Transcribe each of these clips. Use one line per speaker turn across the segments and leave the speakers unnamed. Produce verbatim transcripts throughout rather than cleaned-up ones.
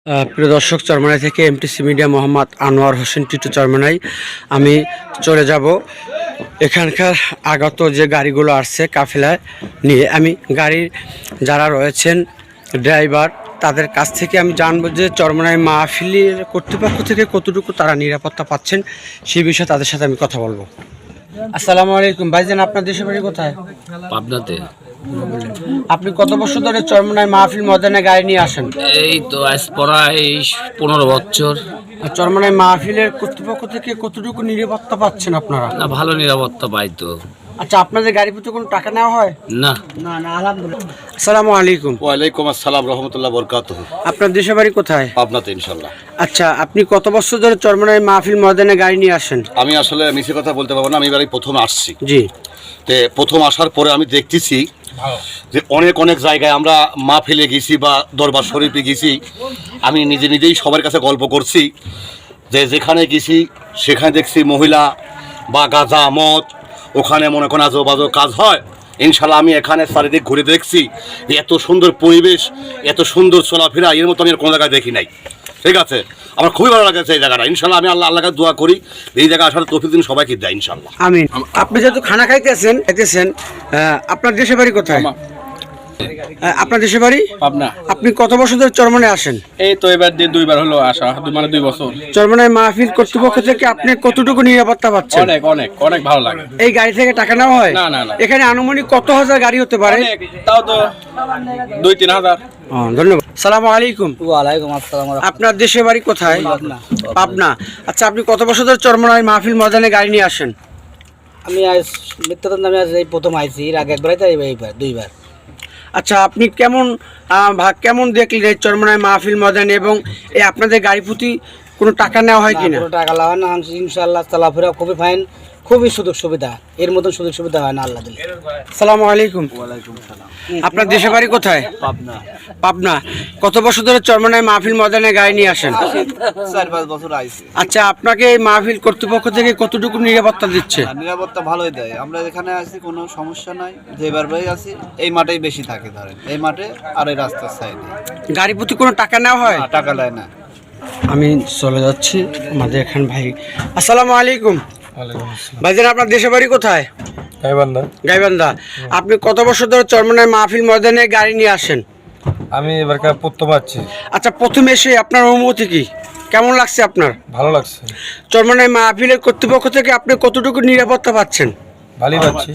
প্রিয় দর্শক, চরমনাই থেকে এমটিসি মিডিয়া মোহাম্মদ আনোয়ার হোসেন টিটু চরমনাই। আমি চলে যাব এখানকার আগত যে গাড়িগুলো আসছে কাফেলায় নিয়ে। আমি গাড়ির যারা রয়েছেন ড্রাইভার তাদের কাছ থেকে আমি জানবো যে চরমনাই মাহফিলের কর্তৃপক্ষ থেকে কতটুকু তারা নিরাপত্তা পাচ্ছেন সেই বিষয়ে তাদের সাথে আমি কথা বলবো। আসসালামু আলাইকুম ভাইজান, আপনার দেশের বাড়ি কোথায়?
পাবনাতে।
আপনি কত বছর ধরে চরমনাই মাহফিল ময়দানে গাড়ি নিয়ে আসেন?
এই তো আজ প্রায় পনেরো বছর।
আর চরমনাই মাহফিলের কর্তৃপক্ষ থেকে কতটুকু নিরাপত্তা পাচ্ছেন আপনারা?
না, ভালো নিরাপত্তা পাই তো।
আচ্ছা, আপনাদের গাড়ি প্রতি কোনো টাকা নেওয়া হয়?
না
না না আলহামদুলিল্লাহ। আসসালামু আলাইকুম।
ওয়ালাইকুম আসসালাম রহমতুল্লাহ বরকাতুহু।
আপনার দেশের বাড়ি কোথায়?
পাবনাতে ইনশাল্লাহ।
আচ্ছা, আপনি কত বছর ধরে চরমনাই মাহফিল ময়দানে গাড়ি নিয়ে আসেন?
আমি আসলে মিছে কথা বলতে পারবো না, আমি এবারে প্রথম আসছি।
জি।
তে প্রথম আসার পরে আমি দেখতেছি যে অনেক অনেক জায়গায় আমরা মাহফিলে গেছি বা দরবার শরীফে গেছি। আমি নিজে নিজেই সবার কাছে গল্প করছি যে যেখানে গেছি সেখানে দেখছি মহিলা বা গাঁজা মদ ওখানে মনে করেন আজো বাজো কাজ হয়। ইনশাল্লাহ আমি এখানে চারিদিক ঘুরে দেখছি যে এত সুন্দর পরিবেশ, এত সুন্দর চলাফেরা এর মতো আমি আর কোনো জায়গায় দেখি নাই। ঠিক আছে, আমার খুবই ভালো লাগছে এই জায়গাটা। ইনশাল্লাহ আমি আল্লাহ আল্লাহকে দোয়া করি এই জায়গা আসার তৌফিক দিন সবাইকে দেয় ইনশাল্লাহ।
আমিন। আপনি যেহেতু খানা খাইতেছেন খাইতেছেন আপনার দেশের বাড়ি কোথায়? আপনার দেশের বাড়ি
পাবনা।
আপনি কত বছর ধরে চরমনাই আসেন?
এই তো এবার দিয়ে দুইবার হলো আসা, মানে দুই বছর।
চরমনাই মাহফিল কর্তৃপক্ষ থেকে আপনি কতটুকু নিরাপত্তা পাচ্ছেন?
অনেক অনেক অনেক ভালো লাগে।
এই গাড়ি থেকে টাকা নেওয়া হয়?
না না না,
এখানে আনুমানিক কত হাজার গাড়ি হতে পারে?
অনেক, তাও তো দুই তিন হাজার।
ধন্যবাদ। সালামু আলাইকুম।
ওয়ালাইকুম আসসালাম।
আপনার দেশের বাড়ি কোথায়? পাবনা। আচ্ছা, আপনি কত বছর ধরে চরমনাই মাহফিল ময়দানে গাড়ি নিয়ে আসেন?
আমি আজ মিথ্যাতন্ত্র আমি আজ এই প্রথম আইছি, এর আগে একবার তাই এইবার দুইবার।
আচ্ছা, আপনি কেমন ভাগ কেমন দেখলেন এই চরমনাই মাহফিল ময়দানে এবং এই আপনাদের গাড়ি প্রতি কোনো টাকা নেওয়া হয় কিনা?
কোনো টাকা লাগা না, ইনশাআল্লাহ চলাফেরা খুবই ফাইন, খুবই সুযোগ সুবিধা, এর মতন সুযোগ সুবিধা হয় না আল্লাহ দিলে।
আসসালামু আলাইকুম।
ওয়ালাইকুম সালাম।
আপনার দেশের বাড়ি কোথায়?
পাবনা।
পাবনা। কত বছর ধরে চরমনাই মাহফিল ময়দানে গাড়ি নিয়ে আসেন?
চার পাঁচ বছর আইছি।
আচ্ছা, আপনাকে এই মাহফিল কর্তৃপক্ষ থেকে কতটুকু নিরাপত্তা দিচ্ছে?
নিরাপত্তা ভালোই দেয়, আমরা এখানে আছি কোনো সমস্যা নাই। যেবার ভাই আছি এই মাঠেই বেশি থাকে, ধরেন এই মাঠে আর এই রাস্তার সাইডে।
গাড়ি প্রতি কোনো টাকা নেওয়া হয়?
টাকা নেয় না।
আমি চলে যাচ্ছি আমাদের এখান ভাই। আসসালামু আলাইকুম। ভাইজান, আপনার দেশের বাড়ি কোথায়?
গাইবান্ধা।
গাইবান্ধা। আপনি কত বছর ধরে চরমনাই মাহফিল ময়দানে গাড়ি নিয়ে আসেন?
আমি এবারকার প্রথম আসছি।
আচ্ছা, প্রথম এসে আপনার অনুভূতি কি, কেমন লাগছে আপনার?
ভালো লাগছে।
চরমনাই মাহফিলের কর্তৃপক্ষ থেকে আপনি কতটুকু নিরাপত্তা পাচ্ছেন?
ভালোই পাচ্ছি।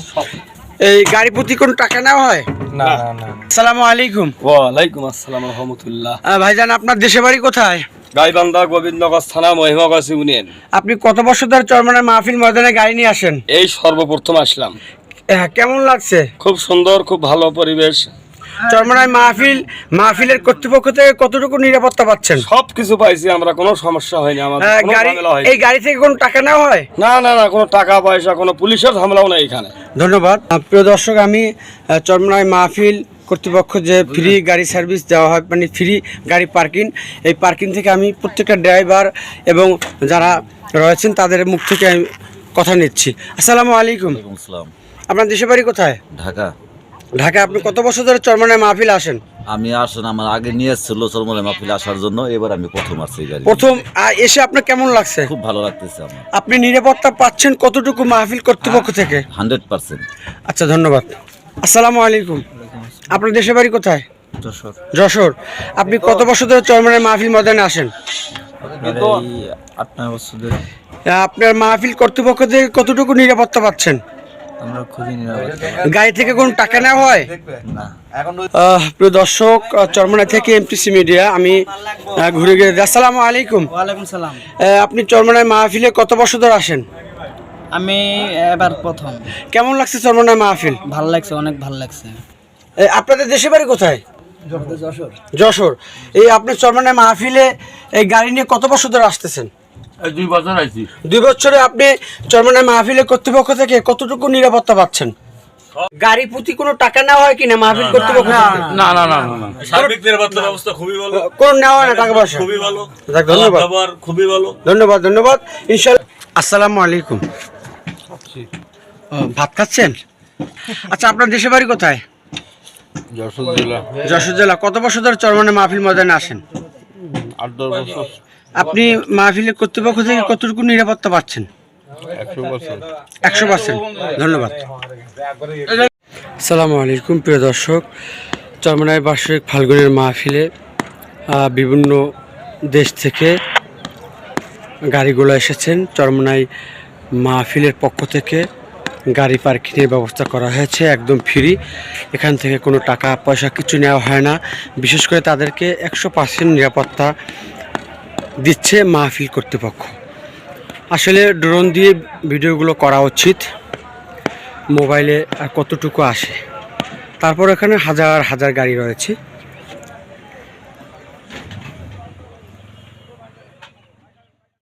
এই গাড়ি প্রতি কোনো টাকা নেওয়া হয়?
না না না।
আসসালামু আলাইকুম।
ওয়ালাইকুম আসসালাম রহমতুল্লাহ।
ভাইজান, আপনার দেশের বাড়ি কোথায়?
গাইবান্ধা, গোবিন্দগঞ্জ থানা, মহিমাগঞ্জ ইউনিয়ন।
আপনি কত বছর ধরে চরমনাই মাহফিল ময়দানে গাড়ি নিয়ে আসেন?
এই সর্বপ্রথম আসলাম।
হ্যাঁ, কেমন লাগছে?
খুব সুন্দর, খুব ভালো পরিবেশ।
চরমনাই মাহফিল মাহফিলের কর্তৃপক্ষ থেকে কতটুকু নিরাপত্তা পাচ্ছেন?
সব কিছু পাইছি আমরা, কোনো সমস্যা হয়নি আমাদের, কোনো
গাড়ি
ঝামেলা হয়নি।
এই গাড়ি থেকে কোনো টাকা নেওয়া হয়?
না না না, কোনো টাকা পয়সা, কোনো পুলিশের ঝামেলাও নেই এখানে।
ধন্যবাদ। প্রিয় দর্শক, আমি চরমনাই মাহফিল কর্তৃপক্ষ যে ফ্রি গাড়ি সার্ভিস দেওয়া হয়, মানে ফ্রি গাড়ি পার্কিং, এই পার্কিং থেকে আমি প্রত্যেকটা ড্রাইভার এবং যারা রয়েছেন তাদের মুখ থেকে আমি কথা নিচ্ছি। আসসালামু আলাইকুম।
আসসালাম।
আপনার দেশের বাড়ি কোথায়?
ঢাকা।
ঢাকা। আপনি কত বছর ধরে চরমনাই মাহফিল আসেন?
আমি আসেন আমার আগে নিয়ে এসেছিল চরমনাই মাহফিল আসার জন্য, এবার আমি প্রথম আসছি গাড়ি।
প্রথম এসে আপনার কেমন লাগছে?
খুব ভালো লাগতেছে আমার।
আপনি নিরাপত্তা পাচ্ছেন কতটুকু মাহফিল কর্তৃপক্ষ থেকে?
Hundred percent.
আচ্ছা, ধন্যবাদ। আসসালামু আলাইকুম। আপনার দেশের বাড়ি কোথায়?
যশোর।
যশোর। আপনি কত বছর ধরে চরমনাই মাহফিল ময়দানে আসেন?
আট নয় বছর ধরে।
আপনার মাহফিল কর্তৃপক্ষ থেকে কতটুকু নিরাপত্তা পাচ্ছেন?
আমরা খুবই নিরাপদ।
গাড়ি থেকে কোনো টাকা নেওয়া হয়?
না।
প্রিয় দর্শক, চরমনাই থেকে এমটিসি মিডিয়া আমি ঘুরে গিয়ে। আসসালামু আলাইকুম।
ওয়ালাইকুম সালাম।
আপনি চরমনাই মাহফিলে কত বছর ধরে আসেন?
আমি এবার প্রথম।
কেমন লাগছে চরমনাই মাহফিল?
ভালো লাগছে, অনেক ভালো লাগছে।
আপনাদের দেশের বাড়ি কোথায়?
যশোর।
যশোর। এই আপনি চরমনাই মাহফিলে এই গাড়ি নিয়ে কত বছর ধরে আসতেছেন?
দুই বছর আইছি।
দুই বছরে আপনি চরমনাই মাহফিলের কর্তৃপক্ষ থেকে কতটুকু নিরাপত্তা পাচ্ছেন? গাড়ি প্রতি কোনো টাকা নেওয়া হয় কিনা মাহফিল কর্তৃপক্ষ থেকে?
না না না না, সার্বিক নিরাপত্তা ব্যবস্থা খুবই ভালো।
কোন নেওয়া হয় না টাকা পয়সা?
খুবই ভালো।
ধন্যবাদ।
খাবার খুবই ভালো।
ধন্যবাদ ধন্যবাদ ইনশাআল্লাহ। আসসালামু আলাইকুম। ভাত খাচ্ছেন? আচ্ছা, আপনার দেশের বাড়ি কোথায়?
যশোর জেলা।
যশোর জেলা। কত বছর ধরে চরমনাই মাহফিল ময়দানে আসেন?
আট দশ বছর
আপনি মাহফিলের কর্তৃপক্ষ থেকে কতটুকু নিরাপত্তা পাচ্ছেন?
একশো বছর
একশো পার্সেন্ট। ধন্যবাদ। আসসালামু আলাইকুম প্রিয় দর্শক, চরমনাই বার্ষিক ফাল্গুনের মাহফিলে আহ, বিভিন্ন দেশ থেকে গাড়িগুলো এসেছেন। চরমনাই মাহফিলের পক্ষ থেকে গাড়ি পার্কিংয়ের ব্যবস্থা করা হয়েছে, একদম ফ্রি। এখান থেকে কোনো টাকা পয়সা কিছু নেওয়া হয় না। বিশেষ করে তাদেরকে একশো পার্সেন্ট নিরাপত্তা দিচ্ছে মাহফিল কর্তৃপক্ষ। আসলে ড্রোন দিয়ে ভিডিওগুলো করা উচিত, মোবাইলে আর কতটুকু আসে। তারপর এখানে হাজার হাজার গাড়ি রয়েছে।